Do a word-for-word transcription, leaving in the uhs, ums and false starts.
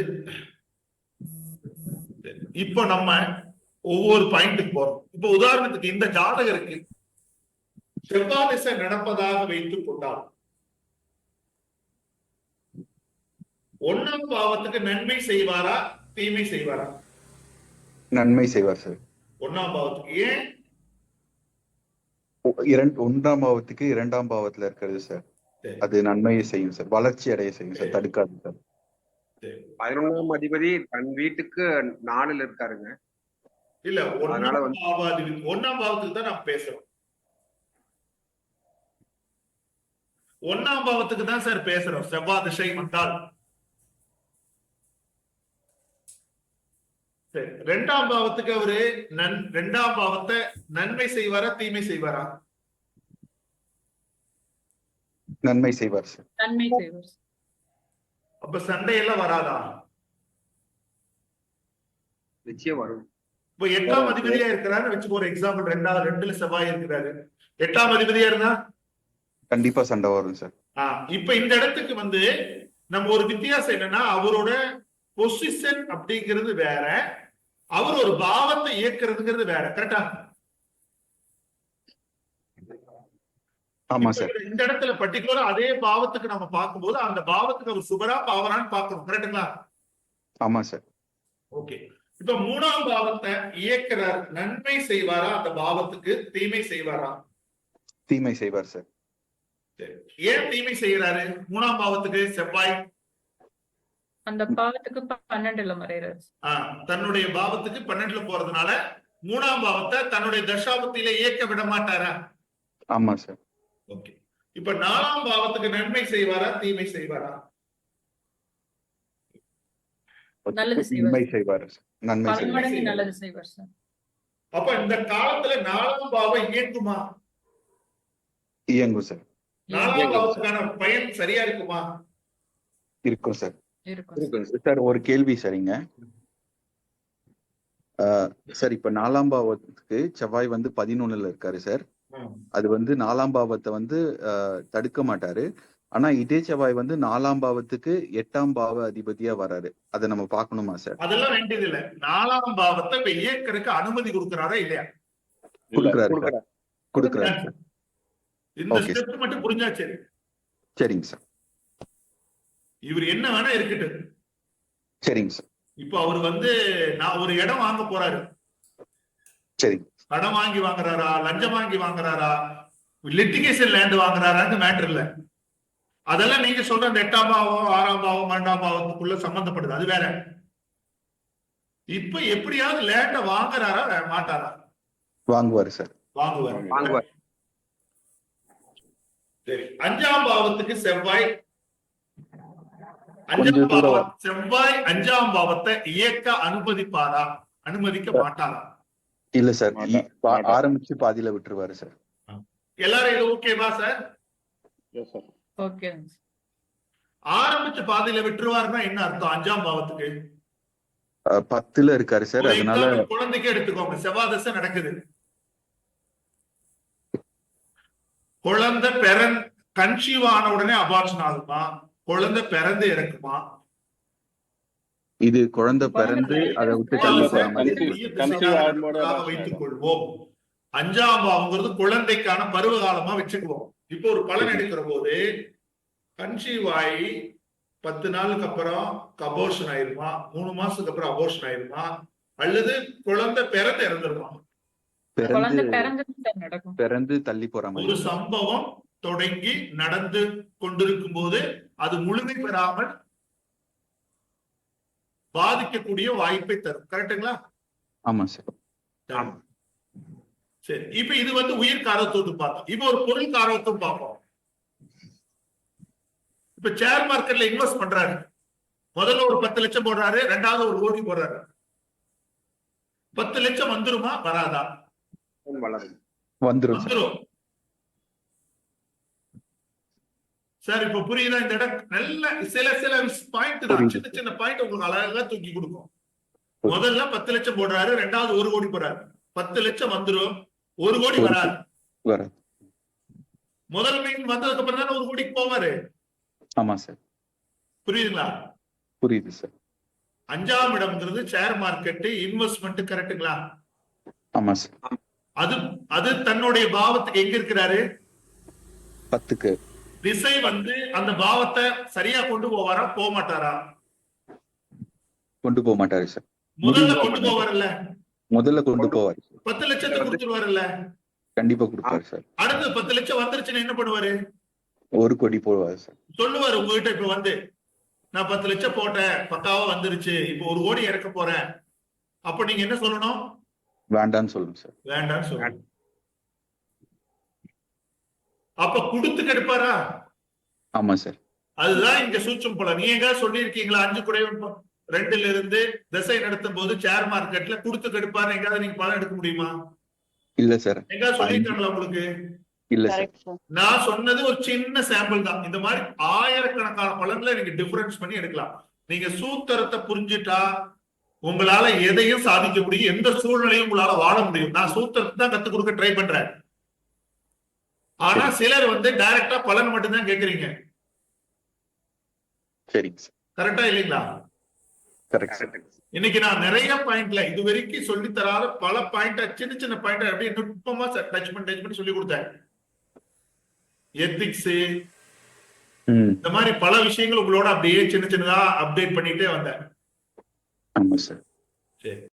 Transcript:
இப்போ நம்ம ஒவ்வொரு பாயிண்ட்டுக்கு போறோம். இப்போ உதாரணத்துக்கு இந்த ஜாதகருக்கு செவ்வாய் திசை நடப்பதாக வைத்துக் கொண்டால் ஒன்னாம் பாவத்துக்கு நன்மை செய்வாரா தீமை செய்வாரா? நன்மை செய்வார் சார். ஒன்னாம் பாவத்துக்கு ஏன்? இரண்டு ஒன்றாம் பாவத்துக்கு இரண்டாம் பாவத்துல இருக்கிறது சார், அது நன்மையை செய்யும் சார், வளர்ச்சி அடைய செய்யும் சார், தடுக்காது சார். பதினொன்றாம் அதிபதி தன் வீட்டுக்கு நாலுல இருக்காருங்க. இல்ல ஒன்னாம் பாவாதிபதி ஒன்னாம் பாவத்துக்கு தான் நாம் பேசுறோம். ஒன்னாம் பாவத்துக்கு தான் சார் பேசுறோம். செவ்வாய் திசை வந்தால் ரெண்டாம் பாவத்துக்கு அவரு நன் ரெண்டாம் பாவத்தை நன்மை செய்வாரா தீமை செய்வாரா? நன்மை செய்வார் சார். நன்மை செய்வார். அப்ப சண்டையெல்லாம் வராதா? நிச்சயம் வரும். இப்ப எட்டாம் அதிபதியா இருக்கிறாரு வச்சுக்கோ, ஒரு எக்ஸாம்பிள். ரெண்டாவது ரெண்டுல செவ்வாய் இருக்கிறாரு, எட்டாம் அதிபதியா இருந்தா கண்டிப்பா சண்டை வரும் சார். ஆஹ் இப்ப இந்த இடத்துக்கு வந்து நம்ம ஒரு வித்தியாசம் என்னன்னா, அவரோட பொசிஷன் அப்படிங்கிறது வேற, அவர் ஒரு பாவத்தை இயக்குறதுங்கிறது வேற. கரெக்டா? ஆமா சார். இந்த இடத்துல பர்டிகுலரா அதே பாவத்துக்கு நம்ம பார்க்கும்போது அந்த பாவத்துக்கு அவர் சுபரா பாவரான்னு பார்க்கணும். கரெக்டுங்களா? ஆமா சார். ஓகே. இப்ப மூணாம் பாவத்தை இயக்குறார், நன்மை செய்வாரா அந்த பாவத்துக்கு தீமை செய்வாரா? தீமை செய்வார் சார். ஏன் தீமை செய்யறாரு? மூணாம் பாவத்துக்கு செவ்வாய் அந்த பாவத்துக்கு பன்னெண்டுல மறைறாரு. தன்னுடைய பாவத்துக்கு பன்னெண்டுல போறதுனால மூணாம் பாவத்தை தன்னுடைய தசாபத்தில இயக்க விட மாட்டாரா? ஆமா சார். ஓகே. இப்ப நாலாம் பாவத்துக்கு நன்மை செய்வாரா தீமை செய்வாரா? நல்லது நன்மை செய்வார். நன்மை செய்வார். நல்லது செய்வார் சார். அப்ப இந்த காலத்துல நாலாம் பாவம் இயங்குமா? இயங்கும் சார். நாலாம் பாவத்துக்கான பயன் சரியா இருக்குமா? இருக்கும் சார். இருக்கும் சார். ஒரு கேள்வி சரிங்க சார். இப்ப நாலாம் பாவத்துக்கு செவ்வாய் வந்து பதினொன்னுல இருக்காரு சார். அது வந்து நாலாம் பாவத்தை வந்து தடுக்க மாட்டாரு. ஆனா இதே செவ்வாய் வந்து நாலாம் பாவத்துக்கு எட்டாம் பாவ அதிபதியா வராரு. அதை நம்ம பாக்கணுமா சார்? அதெல்லாம் வேண்டியது இல்ல. நாலாம் பாவத்தை இயக்கறதுக்கு அனுமதி கொடுக்கிறாரா இல்லையா? கொடுக்கிறாரு கொடுக்கிறாரு சார். இந்த ஸ்டெப் மட்டும் புரிஞ்சா சரி. சரிங்க சார். இவர் என்ன வேணா இருக்கட்டும். சரிங்க சார். இப்ப அவர் வந்து நான் ஒரு இடம் வாங்க போறாரு. சரி. கடன் வாங்கி வாங்குறாரா, லஞ்சம் வாங்கி வாங்குறாரா, லிட்டிகேஷன் லேண்ட் வாங்குறாரான்னு மேட்டர் இல்ல. அதெல்லாம் நீங்க சொல்ற அந்த எட்டாம் பாவம் ஆறாம் பாவம் பன்னெண்டாம் பாவத்துக்குள்ள சம்பந்தப்படுது, அது வேற. இப்ப எப்படியாவது லேண்ட வாங்குறாரா மாட்டாரா? வாங்குவாரு சார். வாங்குவார் வாங்குவார். சரி. அஞ்சாம் பாவத்துக்கு செவ்வாய் அஞ்சாம் பாவம் செவ்வாய் அஞ்சாம் பாவத்தை இயக்க அனுமதிப்பாரா அனுமதிக்க மாட்டாரா? இல்ல சார், ஆரம்பிச்சு பாதியில விட்டுருவாரு சார். எல்லாரும் இது ஓகேவா சார்? ஓகே. ஆரம்பிச்சு பாதியில விட்டுருவாருன்னா என்ன அர்த்தம்? அஞ்சாம் பாவத்துக்கு பத்துல இருக்காரு சார். அதனால குழந்தைக்கு எடுத்துக்கோங்க, செவ்வாய் தசை நடக்குது. குழந்தை பிறன் கன்சீவ் ஆன உடனே அபார்ஷன் ஆகுமா? குழந்தை பிறந்து இறக்குமா? இது குழந்தை பிறந்து அதை விட்டு வைத்துக் கொள்வோம். அஞ்சாம் பாவங்கிறது குழந்தைக்கான பருவ காலமா வச்சுக்குவோம். இப்போ ஒரு பலன் எடுக்கிற போது கன்சீவ் ஆகி பத்து நாளுக்கு அப்புறம் அபோர்ஷன் ஆயிருமா, மூணு மாசத்துக்கு அப்புறம் அபோர்ஷன் ஆயிருமா, அல்லது குழந்தை பிறந்து இறந்துருமா? பிறந்து தள்ளி போற மாதிரி ஒரு சம்பவம் தொடங்கி நடந்து கொண்டிருக்கும் போது அது முழுமை பெறாமல் பாதிக்கக்கூடிய வாய்ப்பை தரும். கரெக்டுங்களா? ஆமா சார். சரி. இப்ப இது வந்து உயிர் காரத்துவத்தை பார்த்தோம். இப்ப ஒரு பொருள் காரத்துவம் பார்ப்போம். இப்ப ஷேர் மார்க்கெட்ல இன்வெஸ்ட் பண்றாரு. முதல்ல ஒரு பத்து லட்சம் போடுறாரு, ரெண்டாவது ஒரு கோடி போடுறாரு. பத்து லட்சம் வந்துருமா வராதா? வந்துரும் வந்துரும் சார். இப்ப புரியுதா? இந்த இடம் நல்ல சில சில பாயிண்ட் தான், சின்ன சின்ன பாயிண்ட் உங்களுக்கு அழகா தூக்கி கொடுக்கும். முதல்ல பத்து லட்சம் போடுறாரு, ரெண்டாவது ஒரு கோடி போடுறாரு. பத்து லட்சம் வந்துரும், ஒரு கோடி வராது. முதல் மீன் வந்ததுக்கு அப்புறம் தானே ஒரு கோடிக்கு போவாரு. ஆமா சார். புரியுதுங்களா? புரியுது சார். அஞ்சாம் இடம்ங்கிறது ஷேர் மார்க்கெட் இன்வெஸ்ட்மெண்ட், கரெக்டுங்களா? ஆமா சார். அது அது தன்னுடைய பாவத்துக்கு எங்க இருக்கிறாரு? பத்துக்கு. திசை வந்து அந்த பாவத்தை சரியா கொண்டு போவாரா, போக மாட்டாரா? கொண்டு போக மாட்டாரு சார். முதல்ல கொண்டு போவார்ல, முதல்ல கொண்டு போவாரு சார். பத்து லட்சத்தை கொடுத்துருவாருல்ல, கண்டிப்பா கொடுப்பாரு சார். அடுத்து பத்து லட்சம் வந்துருச்சுன்னு என்ன பண்ணுவாரு? ஒரு கோடி போடுவாரு சார். சொல்லுவாரு உங்ககிட்ட இப்ப வந்து, நான் பத்து லட்சம் போட்டேன், பக்காவா வந்துருச்சு, இப்ப ஒரு கோடி இறக்க போறேன். அப்ப நீங்க என்ன சொல்லணும்? வேண்டான்னு சொல்லுங்க சார். வேண்டாம்னு சொல்லணும். அப்ப கொடுத்து கெடுப்பாரா? ஆமா சார். அதுதான் இங்க சூட்சம் போல. நீங்க எங்க சொல்லி இருக்கீங்களா? அஞ்சு குறைவன் ரெண்டுல இருந்து திசை நடத்தும் போது ஷேர் மார்க்கெட்ல கொடுத்து கெடுப்பாரு எங்காவது நீங்க பலன் எடுக்க முடியுமா? இல்ல சார். எங்காவது சொல்லிருக்காங்களா உங்களுக்கு? இல்ல சார். நான் சொன்னது ஒரு சின்ன சாம்பிள் தான். இந்த மாதிரி ஆயிரக்கணக்கான பலன்களை நீங்க டிஃபரன்ஸ் பண்ணி எடுக்கலாம். நீங்க சூத்திரத்தை புரிஞ்சுட்டா உங்களால எதையும் சாதிக்க முடியும், எந்த சூழ்நிலையும் உங்களால வாழ முடியும். நான் சூத்திரத்தை தான் கத்துக் கொடுக்க ட்ரை பண்றேன். ஆனா சிலர் வந்து டைரக்டா பலன் மட்டும்தான் கேக்குறீங்க. சரிங்க சார். கரெக்டா இல்லைங்களா? Correct sir. இன்னைக்கு நான் நிறைய பாயிண்ட்ல இது வரைக்கும் சொல்லி தராத பல பாயிண்ட், சின்ன சின்ன பாயிண்ட் அப்படியே நுட்பமா டச் பண்ணி டச் பண்ணி சொல்லி கொடுத்தேன். எத்திக்ஸ் இந்த மாதிரி பல விஷயங்கள் உங்களோட அப்படியே சின்ன சின்னதா அப்டேட் பண்ணிட்டே வந்தேன். ஆமா சார். சரி.